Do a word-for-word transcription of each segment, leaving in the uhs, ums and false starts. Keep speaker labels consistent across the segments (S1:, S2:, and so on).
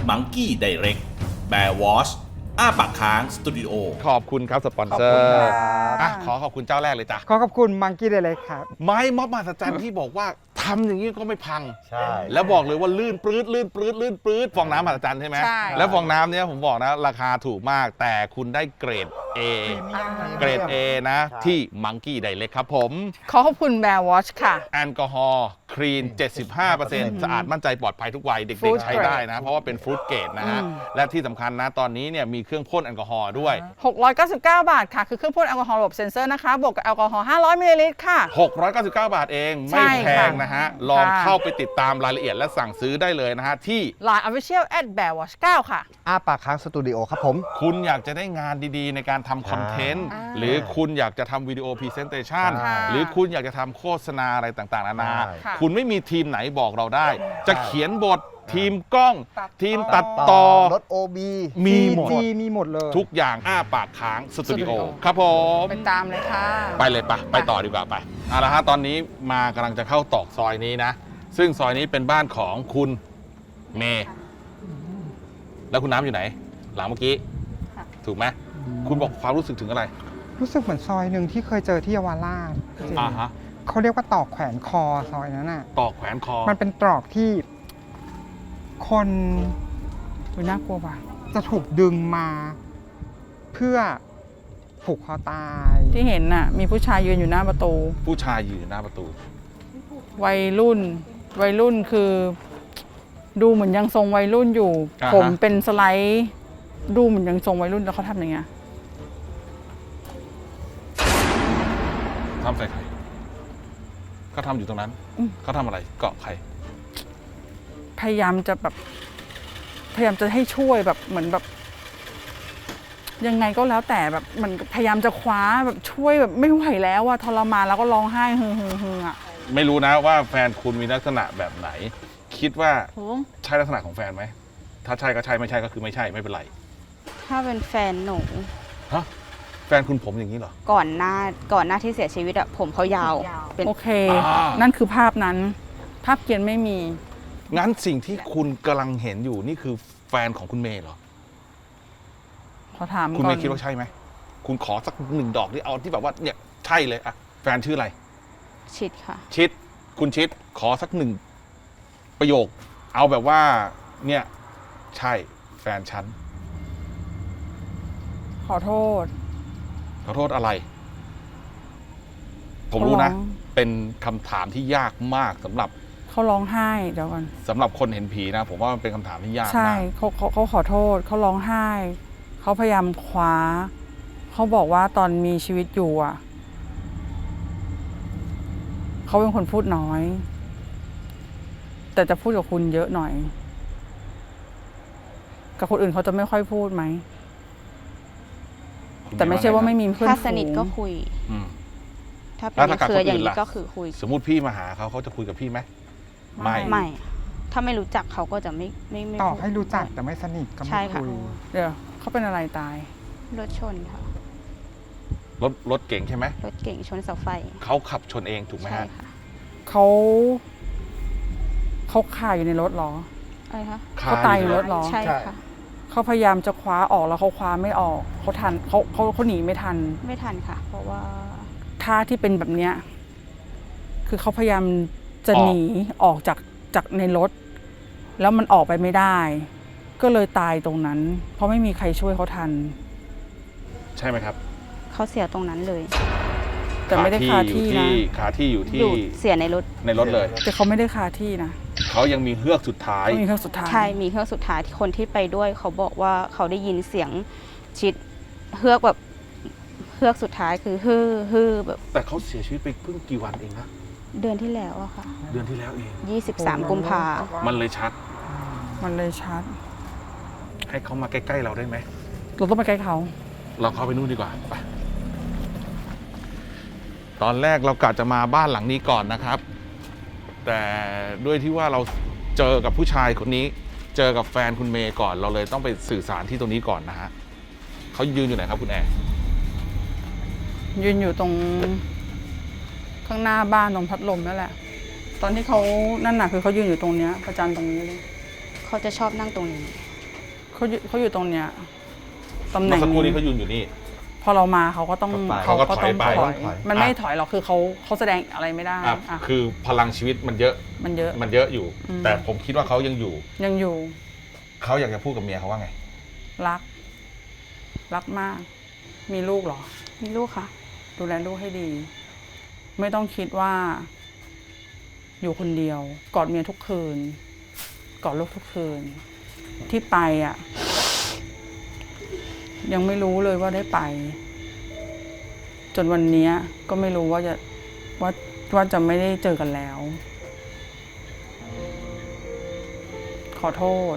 S1: Monkey Direct Bear Wash อ้าปากค้างสตูดิโอ
S2: ขอบคุณครับสปอนเซอร์อ่ะขอขอบคุณเจ้าแรกเลยจ้ะ
S3: ขอขอบคุณมังกี้เดเล็กครับ
S2: ไม้ม็อบมหัศจรรย์ที่บอกว่าทำอย่างนี้ก็ไม่พัง
S4: ใช่
S2: แล้วบอกเลยว่าลื่นปลื้ดลื่นปลื้ดลื่นปลื้ดฟองน้ำมหัศจรรย์ใช่ไหม
S5: ใช่
S2: แล้วฟองน้ำเนี้ยผมบอกนะราคาถูกมากแต่คุณได้เกรด A เกรด A นะที่ Monkey Direct ครับผม
S5: ขอขอบคุณแบร์วอชค่ะ
S2: แอลกอฮอล์คลีน เจ็ดสิบห้าเปอร์เซ็นต์ สะอาดมั่นใจปลอดภัยทุกวัยเด็ก
S5: Fruit
S2: ๆ ใช้ได้นะ เพราะว่าเป็นฟรุตเกรดนะฮะ
S5: อืม
S2: และที่สำคัญนะตอนนี้เนี่ยมีเครื่องพ่นแอลกอฮอล์ด้วย
S5: หกร้อยเก้าสิบเก้า บาทค่ะ คือเครื่องพ่นแอลกอฮอล์ระบบเซ็นเซอร์นะคะ บวกกับแอลกอฮอล์ห้าร้อยมิลลิลิตรค่ะ
S2: หกร้อยเก้าสิบเก้า บาทเอง
S5: ใช่
S2: ไม่แพงนะฮะ ลอง
S5: ค่ะ
S2: เข้าไปติดตามรายละเอียดและสั่งซื้อได้เลยนะฮะ ที่
S5: Line Official at bear wash เก้าค่ะ
S4: อ้าปากค้างสตูดิโอครับผม
S2: คุณอยากจะได้งานดีๆ ในการทำคอนเทนต์
S5: อ่า
S2: หรือคุณอยากจะทำวิดีโอพรีเซนเตชัน
S4: ใช่
S2: หรือคุณอยากจะทำโฆษณาอะไรต่างๆนานา
S4: ใช่
S5: ค่ะ
S2: คุณไม่มีทีมไหนบอกเราได้ จะเขียนบททีมกล้อง ทีมตัดต่อ
S4: รถ โอ บี
S2: มีหมด
S3: จีมีหมดเลย
S2: ทุกอย่างอ้าปากค้างสตูดิโอ
S5: สตูดิโอ
S2: ครับผม
S5: ไปตามเลยค่ะ
S2: ไปเลยปะไปต่อดีกว่าไปเอาละฮะตอนนี้มากำลังจะเข้าตอกซอยนี้นะ ซึ่งซอยนี้เป็นบ้านของคุณเมย์แล้วคุณน้ำอยู่ไหน หลังเมื่อกี้
S5: ค่ะ
S2: ถูกไหมคุณบอกความรู้สึกถึงอะไร
S3: รู้สึกเหมือนซอยหนึ่งที่เคยเจอที่เยาวราชจริง
S2: อ่าฮะ
S3: เขาเรียกว่าตอกแขวนคอซอยนั้นน่ะ
S2: ตอกแขวนคอ
S3: มันเป็นตรอกที่คน
S5: อุ๊ยน่ากลัวว่ะ
S3: จะถูกดึงมา เพื่อผูกคอตาย
S5: ที่เห็นน่ะ มีผู้ชายยืนอยู่หน้าประตู
S2: ผู้ชายยืนอยู่หน้าประตู
S5: วัยรุ่น วัยรุ่นคือ ดูเหมือนยังทรงวัยรุ่นอยู่
S2: อ่าฮะ
S5: ผมเป็นสไลด์ ดูเหมือนยังทรงวัยรุ่นแล้วเขาทำอย่างเงี้ย
S2: ทำใส่ใครเขาทำอยู่ตรงนั้น
S5: อืม
S2: เขาทำอะไรเกาะใคร
S5: พยายามจะแบบ พยายามจะให้ช่วยแบบเหมือนแบบ ยังไงก็แล้วแต่แบบมันพยายามจะคว้าแบบช่วยแบบไม่ไหวแล้วอะทรมานแล้วก็ร้องไห้ฮึ่งๆๆอะ
S2: ไม่รู้นะว่าแฟนคุณมีลักษณะแบบไหน คิดว่า
S6: โห
S2: ใช่ลักษณะของแฟนไหมถ้าใช่ก็ใช่ไม่ใช่ก็คือไม่ใช่ไม่เป็นไร
S6: ถ้าเป็นแฟนหนู
S2: ฮะแฟนคุณผมอย่างนี้เหรอ
S6: ก่อนหน้าก่อนหน้าที่เสียชีวิตอะผมเขายาวเป็น
S5: โอเค
S2: อ่านั่
S5: นั่นคือภาพนั้น ภาพเกียนไม่มี
S2: งั้นสิ่งที่คุณกำลังเห็นอยู่นี่คือแฟนของคุณเมย์เหรอ
S5: ขอถาม
S2: คุณ
S5: ก่อ
S2: เม
S5: น
S2: ย์คิดว่าใช่ไหม คุณขอสักหนึ่งดอกที่เอาที่แบบว่าเนี่ยใช่เลยอะแฟนชื่ออะไร
S6: ชิดค่ะ
S2: ชิด คุณชิด ขอสักหนึ่งประโยค เอาแบบว่า เนี่ยใช่แฟนฉัน
S5: ขอโทษ
S2: ขอโทษอะไร ผมรู้นะ
S5: เขาร้อง
S2: เป็นคำถามที่ยากมากสำหรับ
S5: เขาร้องไห้เดี๋ยวก่อน
S2: สำหรับคนเห็นผีนะ ผมว่ามันเป็นคำถามที่ยาก
S5: ใช่
S2: มาก
S5: เขาเขาเขาขอโทษเขาร้องไห้ เขาพยายามคว้า เขาบอกว่าตอนมีชีวิตอยู่อ่ะ เขาเป็นคนพูดน้อย แต่จะพูดกับคุณเยอะหน่อย กับคนอื่นเขาจะไม่ค่อยพูดไหม
S2: คุณ
S5: แต่ไม่ใช่ว่าไม่
S2: เ
S5: มีเพื่อน
S6: ถ้าสนิท
S5: ฝูง
S6: ก็คุย
S2: อืม
S6: ถ้าเป็
S2: แล้
S6: น
S2: วถ้ากับ
S6: เครืออย่าง
S2: คนอื่น
S6: นี้
S2: ล่ะ
S6: ก็คือคุย
S2: สมมุติพี่มาหาเขาเขาจะคุยกับพี่ไหม ไม่
S6: ไม่ ถ้าไม่รู้จักเขาก็จะไม่ไม่ไม่
S3: ต่อ
S6: พูด
S3: ให้รู้จักแต่ไม่สนิทก็
S6: ใช่
S3: ไม่
S6: ค่ะ
S3: คุย
S5: เดี๋ยวเขาเป็นอะไรตาย
S6: รถชนค่ะ
S2: รถรถเก่งใช่ไหม
S6: รถเก่งชนเสาไฟ
S2: เขาขับชนเองถูกไหม
S6: ใช่
S2: ฮะ
S6: ค่ะ
S5: เขาเขาคาอยู่ในรถเหรอ
S6: อะไรคะ
S5: เขาตายอยู่ในรถเหรอ
S6: ใช่ค่ะ
S5: เขาพยายามจะคว้าออกแล้วเขาคว้าไม่ออก เขาทันเขาเขาเขาหนีไม่ทัน
S6: ไม่ทันค่ะ เพราะว่า
S5: ท่าที่เป็นแบบเนี้ยคือเขาพยายามจะหนีออกจากจากในรถ แล้วมันออกไปไม่ได้ ก็เลยตายตรงนั้น เพราะไม่มีใครช่วยเขาทัน
S2: ใช่ไหมครับ
S6: เขาเสียตรงนั้นเลย
S5: แต่ไม่ได้คาที่นะ
S2: ขาที่อยู่ที่
S6: อยู่เสียในรถ
S2: ในรถเลย
S5: แต่เขาไม่ได้คาที่นะ
S2: เขายังมีเฮือกสุดท้าย
S5: เขามีเครื่องสุดท้าย
S6: ใช่ มีเครื่องสุดท้ายที่คนที่ไปด้วย เขาบอกว่าเขาได้ยินเสียงชิดเฮือกแบบเฮือกสุดท้ายคือฮือฮือแบบ
S2: แต่เขาเสียชีวิตไปเพิ่งกี่วันเองนะ
S6: เดือนที่แล้วอะค่ะ
S2: เดือนที่แล้วเอง
S6: ยี่สิบสามกุมภา
S2: มันเลยชัด
S5: มันเลยชัด
S2: ให้เขามาใกล้ๆเราได้ไหม
S5: เราต้องไปใกล้เขา
S2: เราเข้าไปนู่นดีกว่าไปตอนแรกเรากะจะมาบ้านหลังนี้ก่อนนะครับ แต่ด้วยที่ว่าเราเจอกับผู้ชายคนนี้ เจอกับแฟนคุณเมย์ก่อน เราเลยต้องไปสื่อสารที่ตรงนี้ก่อนนะฮะเขายืนอยู่ไหนครับคุณแอร์
S5: ยืนอยู่ตรงข้างหน้าบ้านตรงพัดลมนั่นแหละ ตอนที่เขานั่นน่ะคือเขายืนอยู่ตรงเนี้ยประจันตรงนี้เลย
S6: เขาจะชอบนั่งตรงนี้
S2: อ
S5: เขาอยู่เขาอยู่ตรงเนี้ยตำแห
S2: เมื่
S5: น่
S2: อง สักครู่นี้
S5: นี้
S2: เขายืนอยู่นี่
S5: พอเรามาเขาก็ต้อง
S2: เขาก็ถอยไป
S5: ถอย
S3: ถอย
S5: มันไม่ถอยหรอกคือเขาเขาแสดงอะไรไม่ได้
S2: อ่ะ
S5: อ่ะ
S2: คือพลังชีวิตมันเยอะ
S5: มันเยอะ
S2: มันเยอะอยู่
S5: อืม
S2: แต่ผมคิดว่าเขายังอยู่
S5: ยังอยู่
S2: เขาอยากจะพูดกับเมียเขาว่าไง
S5: รัก รักมาก มีลูกเหรอ
S6: มีลูกค่ะ
S5: ดูแลลูกให้ดี ไม่ต้องคิดว่า อยู่คนเดียว กอดเมียทุกคืน กอดลูกทุกคืน ที่ไปอ่ะ ยังไม่รู้เลยว่าได้ไป จนวันนี้ก็ไม่รู้ว่าจะว่าว่าจะไม่ได้เจอกันแล้ว ขอโทษ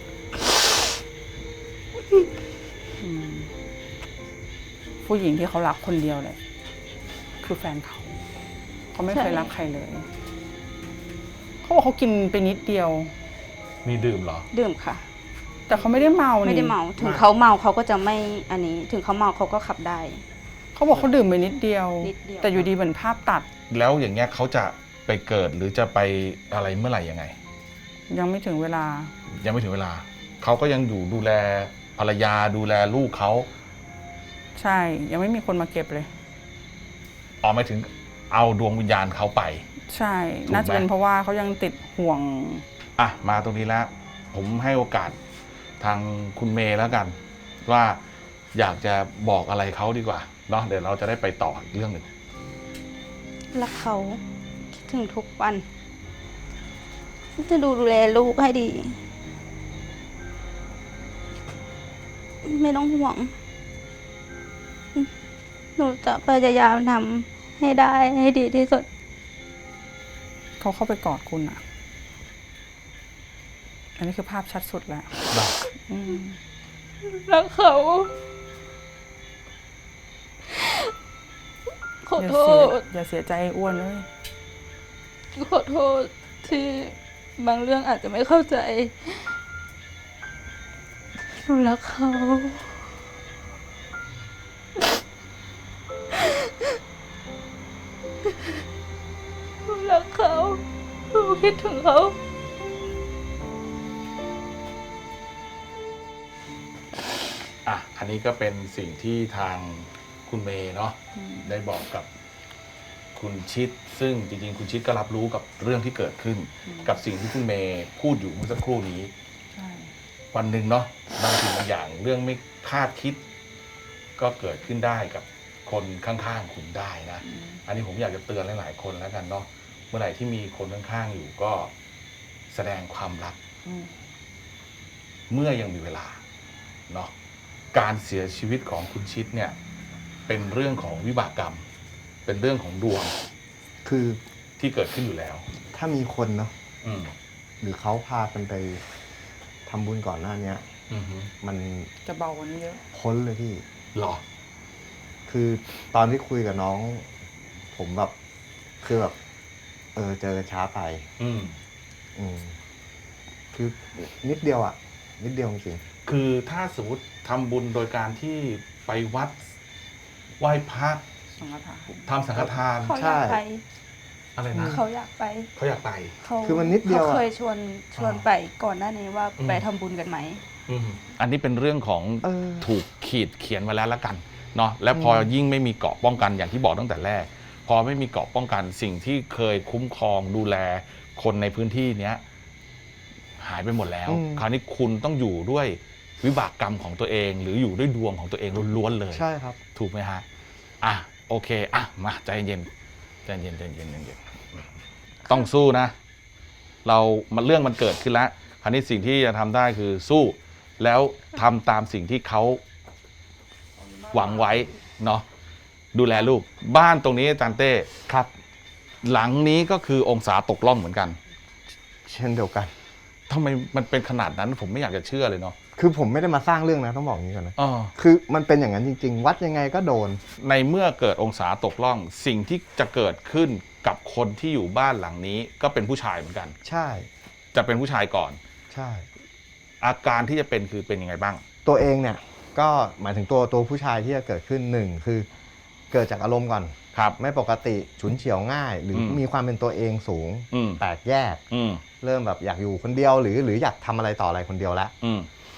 S5: อืมผู้หญิงที่เขารักคนเดียวเลยคือแฟนเขา เขาไม่เคย
S6: ใช่
S5: รักใครเลย เขาบอกเขากินไปนิดเดียว
S2: มีดื่มเหรอ
S6: ดื่มค่ะ
S5: แต่เขาไม่ได้เมานี่
S6: ไม่ได้เมา ถึงเขาเมาเขาก็จะไม่อันนี้ ถึงเขาเมาเขาก็ขับได้
S5: เขาบอกเขาดื่มไปนิดเดียว
S6: นิดเดียว
S5: แต่อยู่ดีเหมือนภาพตัด
S2: แล้วอย่างเงี้ยเขาจะไปเกิดหรือจะไปอะไรเมื่อไหร่ยังไง
S5: ยังไม่ถึงเวลา
S2: ยังไม่ถึงเวลา เขาก็ยังอยู่ดูแลภรรยาดูแลลูกเขา
S5: ใช่ ยังไม่มีคนมาเก็บเลย
S2: ออกไม่ถึงเอาดวงวิญญาณเขาไป
S5: ใช่
S2: ถูกไหม
S5: น่าจะเป็นเพราะว่าเขายังติดห่วง
S2: อ่ะมาตรงนี้แล้ว ผมให้โอกาสทางคุณเมย์แล้วกัน ว่าอยากจะบอกอะไรเขาดีกว่าเนาะเดี๋ยวเราจะได้ไปต่ออีกเรื่องหนึ่ง
S6: รักเขาคิดถึงทุกวันจะดูดูแลลูกให้ดี ไม่ต้องห่วง หนูจะพยายามทำให้ได้ให้ดีที่สุด
S5: เขาเข้าไปกอดคุณอ่ะ อันนี้คือภาพชัดสุดแล้ว
S2: เนาะ
S5: อืม
S6: รักเขา ขอ
S5: อย่า
S6: โท
S5: เสีย
S6: ษ
S5: อย่าเสียใจไอ้อ้วนเลย
S6: ขอโทษที่บางเรื่องอาจจะไม่เข้าใจหนูรักเขา หนูรักเขาหนูคิดถึงเขา
S2: อ่ะอันนี้ก็เป็นสิ่งที่ทางคุณเมย์เนาะได้บอกกับคุณชิด ซึ่งจริงๆคุณชิดก็รับรู้กับเรื่องที่เกิดขึ้น กับสิ่งที่คุณเมย์พูดอยู่เมื่อสักครู่นี้
S5: ใช่
S2: วันหนึ่งเนาะบางสิ่งบางอย่างเรื่องไม่คาดคิด ก็เกิดขึ้นได้กับคนข้างๆคุณได้นะ อันนี้ผมอยากจะเตือนหลายๆคนแล้วกันเนาะเมื่อไหร่ที่มีคนข้างๆอยู่ก็แสดงความรัก
S5: อืม
S2: เมื่อยังมีเวลาเนาะการเสียชีวิตของคุณชิดเนี่ย เป็นเรื่องของวิบากกรรม เป็นเรื่องของดวง
S3: คือ
S2: ที่เกิดขึ้นอยู่แล้ว
S3: ถ้ามีคนเนาะ
S2: อืม
S3: หรือเขาพากันไปทำบุญก่อนหน้าเนี้ย
S2: อือฮึ
S3: มัน
S5: จะเบากว่านี้เยอะ
S3: พ้นเลยพี่
S2: หรอ
S3: คือตอนที่คุยกับน้อง ผมแบบ คือแบบ เออเจอกันช้าไป
S2: อืม
S3: อืมคือนิดเดียวอ่ะ นิดเดียวจริง
S2: คือถ้าสมมติทำบุญโดยการที่ไปวัดไหว้พระ
S5: สังฆทาน
S2: ทำสังฆทาน
S6: เขาอยากไป
S2: อะไรนะ
S6: เขาอยากไป
S2: เขาอยากไป
S6: เขา
S3: คือมันนิดเดียวอะ
S6: เขาเคยชวนชวน
S2: อ่า
S6: ไปก่อนหน้านี้ว่า
S2: อืม
S6: ไปทำบุญกันไหม
S2: อืมอันนี้เป็นเรื่องของ
S3: เออ
S2: ถูกขีดเขียนมาแล้วละกันเนาะและพอยิ่งไม่มีเกราะป้องกันอย่างที่บอกตั้งแต่แรก พอไม่มีเกราะป้องกันสิ่งที่เคยคุ้มครองดูแลคนในพื้นที่เนี้ยหายไปหมดแล้ว
S3: อืม
S2: คราวนี้คุณต้องอยู่ด้วยวิบากกรรมของตัวเอง หรืออยู่ด้วยดวงของตัวเองล้วนๆเลย
S3: ๆ ใช่ครับ
S2: ถูกไหมฮะอ่ะโอเคอ่ะมาใจเย็นใจเย็นใจเย็นใจเย็นต้องสู้นะ เรามันเรื่องมันเกิดขึ้นแล้วคราวนี้สิ่งที่จะทำได้คือสู้แล้วทำตามสิ่งที่เขาหวังไว้เนาะดูแลลูกบ้านตรงนี้อาจารย์เต้
S3: ครับ
S2: หลังนี้ก็คือองศาตกล่องเหมือนกัน
S3: เช่นเดียวกัน
S2: ทำไมมันเป็นขนาดนั้นผมไม่อยากจะเชื่อเลยเนาะ
S3: คือผมไม่ได้มาสร้างเรื่องนะต้องบอกอย่างนี้ก่อนนะ
S2: อ๋อ
S3: คือมันเป็นอย่างนั้นจริง ๆ วัดยังไงก็โดน
S2: ในเมื่อเกิดองศาตกล่อง สิ่งที่จะเกิดขึ้นกับคนที่อยู่บ้านหลังนี้ก็เป็นผู้ชายเหมือนกัน
S3: ใช่
S2: จะเป็นผู้ชายก่อน
S3: ใช่
S2: อาการที่จะเป็นคือเป็นยังไงบ้าง
S3: ตัวเองเนี่ย ก็หมายถึงตัวตัวผู้ชายที่จะเกิดขึ้นหนึ่งคือเกิดจากอารมณ์ก่อน
S2: ครับ
S3: ไม่ปกติฉุนเฉียวง่าย หรืออ
S2: ม
S3: มีความเป็นตัวเองสูง
S2: อืม
S3: แตกแยก
S2: อืม
S3: เริ่มแบบอยากอยู่คนเดียวหรือหรืออยากทำอะไรต่ออะไรคนเดียวแล้ว
S2: อืม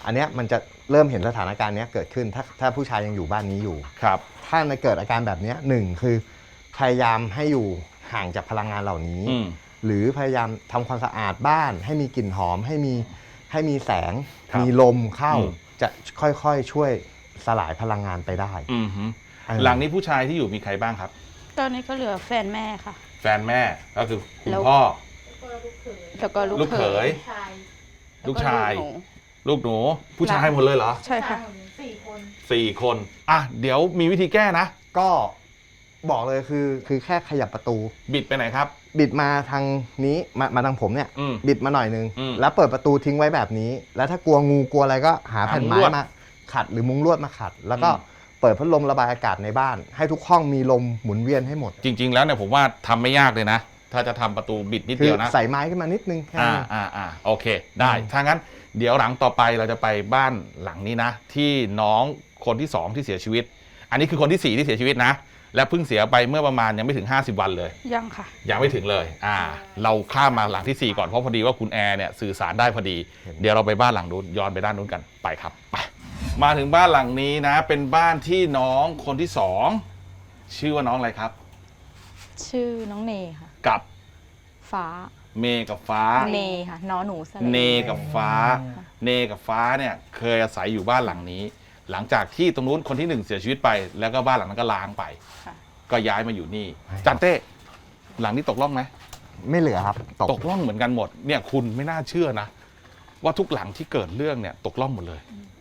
S3: อันเนี้ยมันจะเริ่มเห็นสถานการณ์เนี้ยเกิดขึ้นถ้าถ้าผู้ชายยังอยู่บ้านนี้อยู่
S2: ครับ
S3: ถ้าในเกิดอาการแบบเนี้ยหนึ่งคือพยายามให้อยู่ห่างจากพลังงานเหล่านี้
S2: อืม
S3: หรือพยายามทำความสะอาดบ้าน ให้มีกลิ่นหอมให้มีให้มีแสง
S2: ครับ
S3: มีลมเข้า
S2: อืม
S3: จะค่อยๆช่วยสลายพลังงานไปได้
S2: อืมฮึ
S3: เออ
S2: หลังนี้ผู้ชายที่อยู่มีใครบ้างครับ
S6: ตอนนี้ก็เหลือแฟนแม่ค่ะ
S2: แฟนแม่ก็คือคุณ
S6: แล้ว
S2: พ่อ
S6: แล้วก็ลูก
S2: ลูกเขย
S6: แล้ว
S2: ลูกชาย
S6: หนู
S2: ลูกหนู ผู้ชายหมดเลยเหรอ
S5: ใช่ค่ะ
S2: สี่คนอ่ะเดี๋ยวมีวิธีแก้นะ
S3: ก็บอกเลยคือคือแค่ขยับประตู
S2: บิดไปไหนครับ
S3: บิดมาทางนี้มามาทางผมเนี่ย
S2: อืม
S3: บิดมาหน่อยนึง
S2: อืม
S3: แล้วเปิดประตูทิ้งไว้แบบนี้ แล้วถ้ากลัวงูกลัวอะไรก็หา
S2: หา
S3: แผ่น
S2: มุ้ง
S3: ไม้
S2: ลวด
S3: มาขัดหรือมุ้งลวดมาขัด แล้วก็
S2: อืม
S3: เปิดพัดลมระบายอากาศในบ้าน ให้ทุกห้องมีลมหมุนเวียนให้หมด
S2: จริง ๆ แล้วเนี่ยผมว่าทำไม่ยากเลยนะ ถ้าจะทำประตูบิดนิด
S3: คื
S2: เดี
S3: อ
S2: ยวนะ
S3: ใส่ไม้ขึ้นมานิดนึงแค่
S2: อ่า
S3: นั้น
S2: อ่าอ่าโอเค ได้ ถ้างั้นเดี๋ยวหลังต่อไปเราจะไปบ้านหลังนี้นะ ที่น้องคนที่สองที่เสียชีวิต อันนี้คือคนที่สี่ที่เสียชีวิตนะ และเพิ่งเสียไปเมื่อประมาณยังไม่ถึงห้าสิบวันเลย
S6: ยังค่ะ
S2: ยังไม่ถึงเลย อ่า เราข้ามมาหลังที่สี่ก่อน เพราะพอดีว่าคุณแอร์เนี่ยสื่อสารได้พอดี เดี๋ยวเราไปบ้านหลังนู้นย้อนไปด้านนู้นกัน ไปครับ ไป มาถึงบ้านหลังนี้นะ เป็นบ้านที่น้องคนที่สองชื่อว่าน้องอะไรครับ
S4: ชื่อน้องเนค่ะ
S2: กับ
S4: ฟ้า
S2: เมย์กับฟ้า
S4: เนค่ะน้อหนูสระ
S2: เนกับฟ้า เนกับฟ้าเนี่ยเคยอาศัยอยู่บ้านหลังนี้ หลังจากที่ตรงนู้นคนที่หนึ่งเสียชีวิตไป แล้วก็บ้านหลังนั้นก็ล้างไป
S4: ค่ะ
S2: ก็ย้ายมาอยู่นี่จันเต้หลังนี้ตกล่องไหม
S3: ไม่เหลือครับตก
S2: ตกล่องเหมือนกันหมดเนี่ยคุณไม่น่าเชื่อนะ ว่าทุกหลังที่เกิดเรื่องเนี่ยตกล่องหมดเลย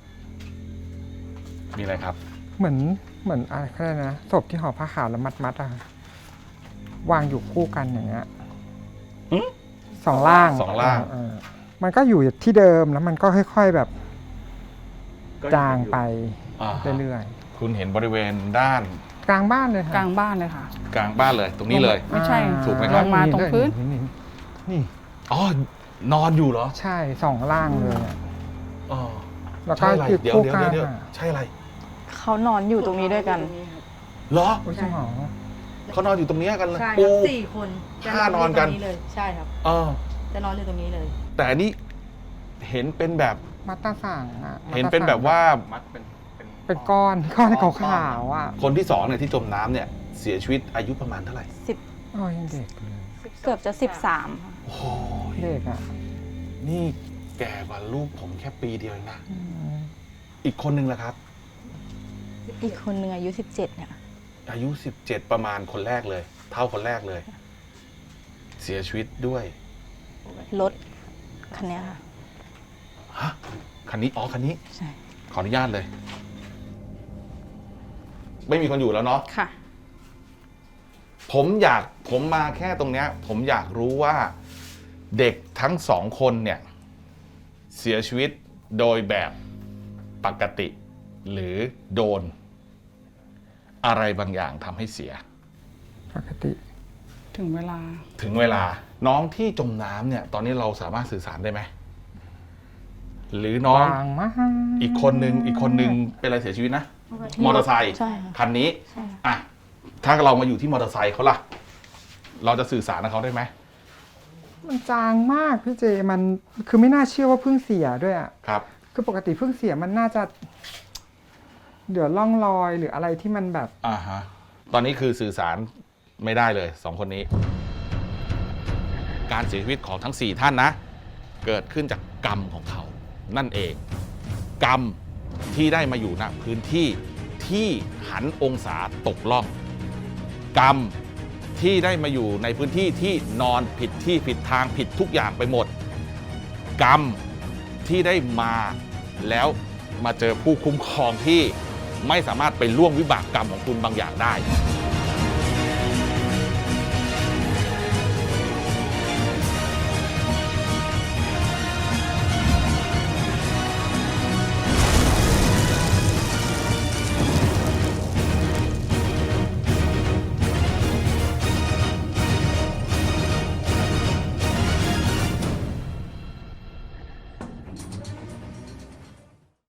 S2: มีอะไรครับ
S7: เหมือนเหมือนอะไรก็ได้นะศพที่ห่อผ้าขาวแล้วมัดมัดๆอะค่ะวางอยู่คู่กันอย่างเงี้ย
S2: หึ
S7: สองล่าง
S2: สองล่าง
S7: เออมันก็อยู่ที่เดิมแล้วมันก็ค่อย ๆแบบจางไป
S2: อ่า
S7: เรื่อย
S2: คุณเห็นบริเวณด้าน
S7: ๆกลางบ้านเลยค่ะ
S5: กลางบ้านเลยค่ะ
S2: กลางบ้านเลย ตรงนี้เลย
S5: ไม่ใช่
S7: อ่า
S2: ถูกไหมครับ
S5: ลงมาตรงพื้น
S7: นี่นี่
S2: อ๋อนอนอยู่เหรอ
S7: ใช่สองล่างเลยอะ
S2: อ๋อ
S7: แล้วก็
S2: ใช่อะไร
S7: คือ
S2: เดี๋ยว
S7: คู่
S2: เดี๋ยว
S7: กัน
S2: เดี๋ยว
S7: อะ
S2: ใช่อะไร
S4: เขานอนอยู่ตรงนี้ด้วยกัน
S2: เหรอ
S7: โอ้ยจริงเหรอ
S2: เขานอนอยู่ตรงเนี้ยกันเลย
S8: ใช่ค
S2: ปู
S8: รับสี่คนจะ
S2: ห้านอนกัน
S8: ยู่ตรงเลยใช่ครับ
S2: เออ
S8: จะนอนอยู่ตรงนี้เลย
S2: แต่อันนี้เห็นเป็นแบบ
S7: มัตตาสั่งอะมัตตาสั่ง
S2: เห็นเป็นแบบว่า
S7: เป็นก้อนก้อนขาวๆอ่ะ
S2: คนที่สองเนี่ยที่จมน้ำเนี่ยเสียชีวิตอายุประมาณเท่าไหร่
S4: สิบ
S7: โอ้ยยังเด็กเลย
S4: เกือบจะสิบสามค่ะ
S2: โอ้ย
S7: เด็กอ่ะ
S2: นี่แก่กว่าลูกผมแค่ปีเดียวเองนะ
S7: อืม
S2: อีกคนนึงล่ะครับ
S4: อีกคนหนึ่งอายุสิบเจ็ดเนี่ย
S2: อายุสิบเจ็ดประมาณคนแรกเลย เท่าคนแรกเลย เสียชีวิตด้วย
S4: รถคันเนี้ยค่ะ
S2: ฮะคันนี้อ๋อคันนี้
S4: ใช่
S2: ขออนุญาตเลย ไม่มีคนอยู่แล้วเนาะ
S6: ค่ะ
S2: ผมอยากผมมาแค่ตรงเนี้ย ผมอยากรู้ว่าเด็กทั้งสองคนเนี่ย เสียชีวิตโดยแบบปกติ หรือโดน อะไรบางอย่างทำให้เสีย
S7: ปกติ
S5: ถึงเวลา
S2: ถึงเวลาน้องที่จมน้ำเนี่ย ตอนนี้เราสามารถสื่อสารได้ไหมหรือน้อง
S7: บางมาก
S2: อีกคนนึงอีกคนนึงเป็นอะไรเสียชีวิตนะ มอเตอร์ไซค์
S4: ใช่ค่ะ
S2: คันนี้
S4: ใช่ค่ะ
S2: อ่ะถ้าเรามาอยู่ที่มอเตอร์ไซค์เขาล่ะ เราจะสื่อสารกับเขาได้ไหม
S7: มันจางมากพี่เจ มันคือไม่น่าเชื่อว่าเพิ่งเสียด้วยอ่ะ
S2: ครับ
S7: คือปกติเพิ่งเสียมันน่าจะเดี๋ยวล่องรอยหรืออะไรที่มันแบบ
S2: อ่าฮะตอนนี้คือสื่อสารไม่ได้เลยสองคนนี้ การเสียชีวิตของทั้งสี่ท่านนะ เกิดขึ้นจากกรรมของเขา นั่นเอง กรรมที่ได้มาอยู่ณพื้นที่ที่หันองศาตกล่อง กรรมที่ได้มาอยู่ในพื้นที่ที่นอนผิดที่ผิดทางผิดทุกอย่างไปหมด กรรมที่ได้มาแล้วมาเจอผู้คุ้มครองที่ไม่สามารถไปล่วงวิบากกรรมของคุณบางอย่างได้